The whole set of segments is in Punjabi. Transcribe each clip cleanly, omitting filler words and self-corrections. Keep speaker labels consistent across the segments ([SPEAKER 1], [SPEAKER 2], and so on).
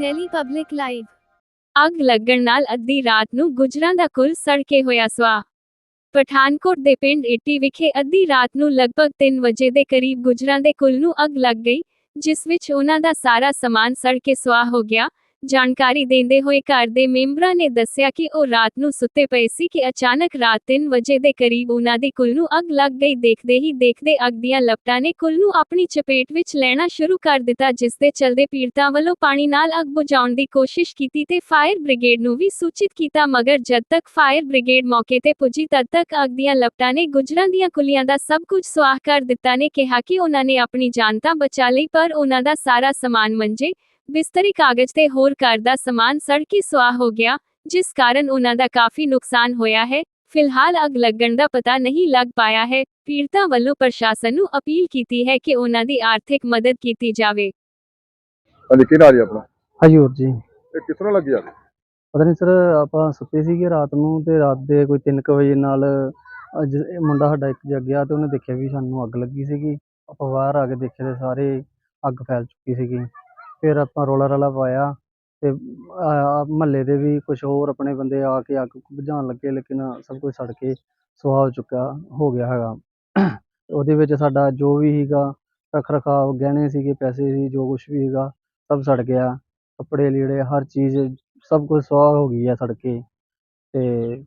[SPEAKER 1] Delhi public live. ਅੱਗ ਲੱਗਣ ਨਾਲ ਅੱਧੀ ਰਾਤ ਨੂੰ ਗੁੱਜਰਾਂ ਦਾ ਕੁੱਲ ਸੜ ਕੇ ਹੋਇਆ ਸੁਆਹ। ਪਠਾਨਕੋਟ ਦੇ ਪਿੰਡ ਇੱਟੀ ਵਿਖੇ ਅੱਧੀ ਰਾਤ ਨੂੰ ਲਗਭਗ 3 ਵਜੇ ਦੇ ਕਰੀਬ ਗੁੱਜਰਾਂ ਦੇ ਕੁੱਲ ਨੂੰ ਅੱਗ ਲੱਗ ਗਈ, ਜਿਸ ਵਿੱਚ ਉਹਨਾਂ ਦਾ ਸਾਰਾ ਸਮਾਨ ਸੜ ਕੇ ਸੁਆਹ ਹੋ ਗਿਆ। ਜਾਣਕਾਰੀ ਦਿੰਦੇ ਹੋਏ ਘਰ ਦੇ ਮੈਂਬਰਾਂ ਨੇ ਦੱਸਿਆ ਕਿ ਉਹ ਰਾਤ ਨੂੰ ਸੁੱਤੇ ਪਏ ਸੀ ਕਿ ਅਚਾਨਕ ਰਾਤ 3 ਵਜੇ ਦੇ ਕਰੀਬ ਉਹਨਾਂ ਦੀ ਕੁੱਲ ਨੂੰ ਅੱਗ ਲੱਗ ਗਈ। ਦੇਖਦੇ ਹੀ ਦੇਖਦੇ ਅੱਗ ਦੀਆਂ ਲਪਟਾਂ ਨੇ ਕੁੱਲ ਨੂੰ ਆਪਣੀ ਚਪੇਟ ਵਿੱਚ ਲੈਣਾ ਸ਼ੁਰੂ ਕਰ ਦਿੱਤਾ, ਜਿਸ ਦੇ ਚਲਦੇ ਪੀੜਤਾਂ ਵੱਲੋਂ ਪਾਣੀ ਨਾਲ ਅੱਗ ਬੁਝਾਉਣ ਦੀ ਕੋਸ਼ਿਸ਼ ਕੀਤੀ ਤੇ ਫਾਇਰ ਬ੍ਰਿਗੇਡ ਨੂੰ ਵੀ ਸੂਚਿਤ ਕੀਤਾ, ਮਗਰ ਜਦ ਤੱਕ ਫਾਇਰ ਬ੍ਰਿਗੇਡ ਮੌਕੇ ਤੇ ਪੁੱਜੀ ਤਦ ਤੱਕ ਅੱਗ ਦੀਆਂ ਲਪਟਾਂ ਨੇ ਗੁੱਜਰਾਂ ਦੀਆਂ ਕੁੱਲੀਆਂ ਦਾ ਸਭ ਕੁਝ ਸੁਆਹ ਕਰ ਦਿੱਤਾ। ਨੇ ਕਿਹਾ ਕਿ ਉਹਨਾਂ ਨੇ ਆਪਣੀ ਜਾਨ ਤਾਂ ਬਚਾ ਲਈ, ਪਰ ਉਹਨਾਂ ਦਾ ਸਾਰਾ ਸਮਾਨ ਮੰਜੇ, ਬਿਸਤਰੇ, ਕਾਗਜ਼ ਤੇ ਹੋਰ ਘਰ ਦਾ ਸਮਾਨ ਸੜ ਕੇ ਸੁਆਹ ਹੋ ਗਿਆ, ਜਿਸ ਕਾਰਨ ਉਹਨਾਂ ਦਾ ਕਾਫੀ ਨੁਕਸਾਨ ਹੋਇਆ ਹੈ। ਫਿਲਹਾਲ ਅੱਗ ਲੱਗਣ ਦਾ ਪਤਾ ਨਹੀਂ ਲੱਗ ਪਾਇਆ ਹੈ। ਪੀੜਤਾਂ ਵੱਲੋਂ ਪ੍ਰਸ਼ਾਸਨ ਨੂੰ ਅਪੀਲ ਕੀਤੀ ਹੈ ਕਿ ਉਹਨਾਂ ਦੀ ਆਰਥਿਕ ਮਦਦ ਕੀਤੀ ਜਾਵੇ।
[SPEAKER 2] ਹਾਂਜੀ, ਕੀ ਨਾਮ ਹੈ ਆਪਣਾ?
[SPEAKER 3] ਹਜੂਰ ਜੀ।
[SPEAKER 2] ਇਹ ਕਿਸ ਤਰ੍ਹਾਂ ਲੱਗੀ ਅੱਗ?
[SPEAKER 3] ਪਤਾ ਨਹੀਂ ਸਰ, ਆਪਾਂ ਸੁੱਤੇ ਸੀਗੇ ਰਾਤ ਨੂੰ ਤੇ ਰਾਤ ਦੇ ਕੋਈ 3 ਵਜੇ ਨਾਲ ਮੁੰਡਾ ਸਾਡਾ ਇੱਕ ਜਾਗਿਆ ਤੇ ਉਹਨੇ ਦੇਖਿਆ ਵੀ ਸਾਨੂੰ ਅੱਗ ਲੱਗੀ ਸੀਗੀ। ਆਪਾਂ ਬਾਹਰ ਆ ਕੇ ਦੇਖਿਆ ਤੇ ਸਾਰੇ ਅੱਗ ਫੈਲ ਚੁੱਕੀ ਸੀਗੀ। ਫਿਰ ਆਪਾਂ ਰੌਲਾ ਰਾਲਾ ਪਾਇਆ ਤੇ ਮਹੱਲੇ ਦੇ ਵੀ ਕੁਝ ਹੋਰ ਆਪਣੇ ਬੰਦੇ ਆ ਕੇ ਅੱਗ ਬੁਝਾਉਣ ਲੱਗੇ, ਲੇਕਿਨ ਸਭ ਕੁਝ ਸੜ ਕੇ ਸੁਆਹ ਹੋ ਗਿਆ ਹੈਗਾ। ਉਹਦੇ ਵਿੱਚ ਸਾਡਾ ਜੋ ਵੀ ਸੀਗਾ ਰੱਖ ਰਖਾਵ, ਗਹਿਣੇ ਸੀਗੇ, ਪੈਸੇ ਸੀ, ਜੋ ਕੁਛ ਵੀ ਸੀਗਾ ਸਭ ਸੜ ਗਿਆ। ਕੱਪੜੇ ਲੀੜੇ ਹਰ ਚੀਜ਼ ਸਭ ਕੁਝ ਸੁਆਹ ਹੋ ਗਈ ਹੈ ਸੜ ਕੇ। ਤੇ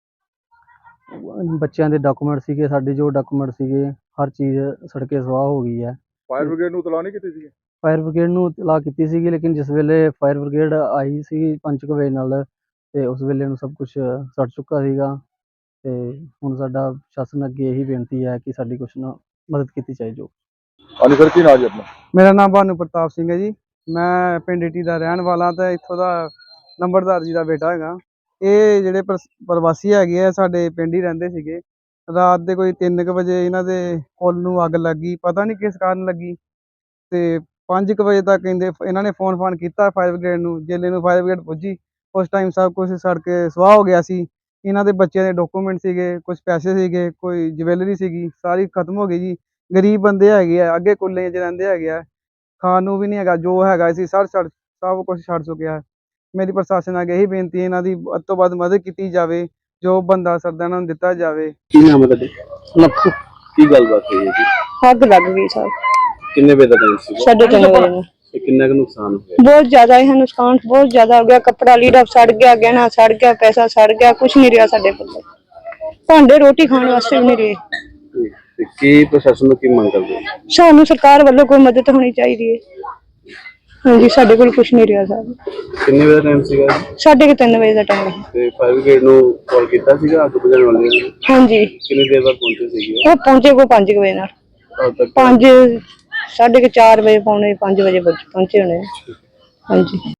[SPEAKER 3] ਬੱਚਿਆਂ ਦੇ ਡਾਕੂਮੈਂਟ ਸੀਗੇ, ਸਾਡੇ ਜੋ ਡਾਕੂਮੈਂਟ ਸੀਗੇ, ਹਰ ਚੀਜ਼ ਸੜ ਕੇ ਸੁਆਹ ਹੋ ਗਈ ਹੈ।
[SPEAKER 2] ਫਾਇਰ ਬ੍ਰਿਗੇਡ ਨੂੰ ਇਤਲਾਹ ਨਹੀਂ ਕੀਤੀ ਸੀ?
[SPEAKER 3] ਫਾਇਰ ਬ੍ਰਿਗੇਡ ਨੂੰ ਇਤਲਾਹ ਕੀਤੀ ਸੀਗੀ, ਲੇਕਿਨ ਜਿਸ ਵੇਲੇ ਫਾਇਰ ਬ੍ਰਿਗੇਡ ਆਈ ਸੀ 5 ਵਜੇ ਨਾਲ ਤੇ ਉਸ ਵੇਲੇ ਨੂੰ ਸਭ ਕੁਝ ਸੜ ਚੁੱਕਾ ਸੀਗਾ। ਤੇ ਹੁਣ ਸਾਡਾ ਪ੍ਰਸ਼ਾਸਨ ਅੱਗੇ ਇਹੀ ਬੇਨਤੀ ਹੈ ਕਿ ਸਾਡੀ ਕੁਛ ਨਾ ਮਦਦ ਕੀਤੀ ਜਾਏ। ਜੋ
[SPEAKER 2] ਹਾਂਜੀ ਸਰ, ਕੀ ਨਾਮ ਜੀ ਆਪਣਾ?
[SPEAKER 4] ਮੇਰਾ ਨਾਮ ਭਾਨੂ ਪ੍ਰਤਾਪ ਸਿੰਘ ਹੈ ਜੀ। ਮੈਂ ਪਿੰਡ ਇੱਟੀ ਦਾ ਰਹਿਣ ਵਾਲਾ ਤੇ ਇੱਥੋਂ ਦਾ ਨੰਬਰਦਾਰ ਜੀ ਦਾ ਬੇਟਾ ਹੈਗਾ। ਇਹ ਜਿਹੜੇ ਪ੍ਰਵਾਸੀ ਹੈਗੇ ਆ ਸਾਡੇ ਪਿੰਡ ਹੀ ਰਹਿੰਦੇ ਸੀਗੇ। ਰਾਤ ਦੇ ਕੋਈ 3 ਵਜੇ ਇਹਨਾਂ ਦੇ ਫੁੱਲ ਨੂੰ ਅੱਗ ਲੱਗੀ, ਪਤਾ ਨਹੀਂ ਕਿਸ ਕਾਰਨ ਲੱਗੀ। ਤੇ 5 ਵਜੇ ਤੱਕ ਕਹਿੰਦੇ ਇਹਨਾਂ ਨੇ ਫੋਨ ਕੀਤਾ ਫਾਇਰ ਬ੍ਰਿਗੇਡ ਨੂੰ। ਜਿਲੇ ਨੂੰ ਫਾਇਰ ਬ੍ਰਿਗੇਡ ਪੁੱਜੀ ਉਸ ਟਾਈਮ ਸਭ ਕੁਝ ਸੜ ਕੇ ਸੁਆਹ ਹੋ ਗਿਆ ਸੀ। ਇਹਨਾਂ ਦੇ ਬੱਚਿਆਂ ਦੇ ਡਾਕੂਮੈਂਟ ਸੀਗੇ, ਕੁਝ ਪੈਸੇ ਸੀਗੇ, ਕੋਈ ਜਵੈਲਰੀ ਸੀਗੀ, ਸਾਰੀ ਖਤਮ ਹੋ ਗਈ ਜੀ। ਗਰੀਬ ਬੰਦੇ ਹੈਗੇ ਆ, ਅੱਗੇ ਕੁੱਲੇ 'ਚ ਰਹਿੰਦੇ ਹੈਗੇ ਆ, ਖਾਣ ਨੂੰ ਵੀ ਨਹੀਂ ਹੈਗਾ, ਜੋ ਹੈਗਾ ਸੀ ਸਭ ਕੁਝ ਛੱਡ ਚੁੱਕਿਆ। ਮੇਰੀ ਪ੍ਰਸ਼ਾਸਨ ਅੱਗੇ ਇਹੀ ਬੇਨਤੀ ਹੈ, ਇਹਨਾਂ ਦੀ ਵੱਧ ਤੋਂ ਵੱਧ ਮਦਦ ਕੀਤੀ ਜਾਵੇ, ਜੋ ਬੰਦਾ ਸਰਦਾ ਇਹਨਾਂ ਨੂੰ ਦਿੱਤਾ ਜਾਵੇ।
[SPEAKER 2] ਕੀ ਨਾਮ ਹੈ ਤੁਹਾਡਾ?
[SPEAKER 5] ਲੱਖੂ।
[SPEAKER 2] ਕੀ ਗੱਲਬਾਤ ਹੋਈ ਹੈ ਜੀ?
[SPEAKER 5] ਅੱਗ ਲੱਗ ਗਈ ਸਰ।
[SPEAKER 2] ਕਿੰਨੇ ਵਜੇ ਦਾ ਟਾਈਮ ਸੀ?
[SPEAKER 5] 3:30 ਵਜੇ ਨੂੰ।
[SPEAKER 2] ਤੇ ਕਿੰਨਾ ਕੁ ਨੁਕਸਾਨ ਹੋਇਆ?
[SPEAKER 5] ਬਹੁਤ ਜ਼ਿਆਦਾ ਹੈ ਨੁਕਸਾਨ, ਬਹੁਤ ਜ਼ਿਆਦਾ ਹੋ ਗਿਆ। ਕੱਪੜਾ ਲੀੜਾ ਸੜ ਗਿਆ, ਗਹਿਣਾ ਸੜ ਗਿਆ, ਪੈਸਾ ਸੜ ਗਿਆ, ਕੁਝ ਨਹੀਂ ਰਿਹਾ ਸਾਡੇ ਕੋਲ। ਭਾਂਡੇ ਰੋਟੀ ਖਾਣ ਵਾਸਤੇ ਵੀ ਨਹੀਂ ਰਹੇ।
[SPEAKER 2] ਤੇ ਕੀ ਪ੍ਰਸ਼ਾਸਨ ਨੂੰ ਕੀ ਮੰਗ ਕਰਦੇ?
[SPEAKER 5] ਸਾਨੂੰ ਸਰਕਾਰ ਵੱਲੋਂ ਕੋਈ ਮਦਦ ਹੋਣੀ ਚਾਹੀਦੀ ਹੈ। ਹਾਂਜੀ, ਸਾਡੇ ਕੋਲ ਕੁਝ ਨਹੀਂ ਰਿਹਾ ਸਰ।
[SPEAKER 2] ਕਿੰਨੇ ਵਜੇ ਦਾ ਟਾਈਮ ਸੀਗਾ?
[SPEAKER 5] 3:30 ਵਜੇ ਦਾ ਟਾਈਮ ਹੈ।
[SPEAKER 2] ਤੇ ਫਾਇਰ ਬ੍ਰਿਗੇਡ ਨੂੰ ਕਾਲ ਕੀਤਾ ਸੀਗਾ ਅੱਗ ਬੁਝਾਉਣ ਵਾਲਿਆਂ ਨੇ?
[SPEAKER 5] ਹਾਂਜੀ,
[SPEAKER 2] ਕਿੰਨੀ ਦੇਰ ਬਾਅਦ ਪਹੁੰਚੇ ਸੀਗੇ?
[SPEAKER 5] ਉਹ ਪਹੁੰਚੇ ਕੋ 5 ਵਜੇ ਨਾਲ। 4:30 ਵਜੇ, ਪੌਣੇ 5 ਵਜੇ ਪਹੁੰਚੇ ਹੋਣੇ। ਹਾਂਜੀ।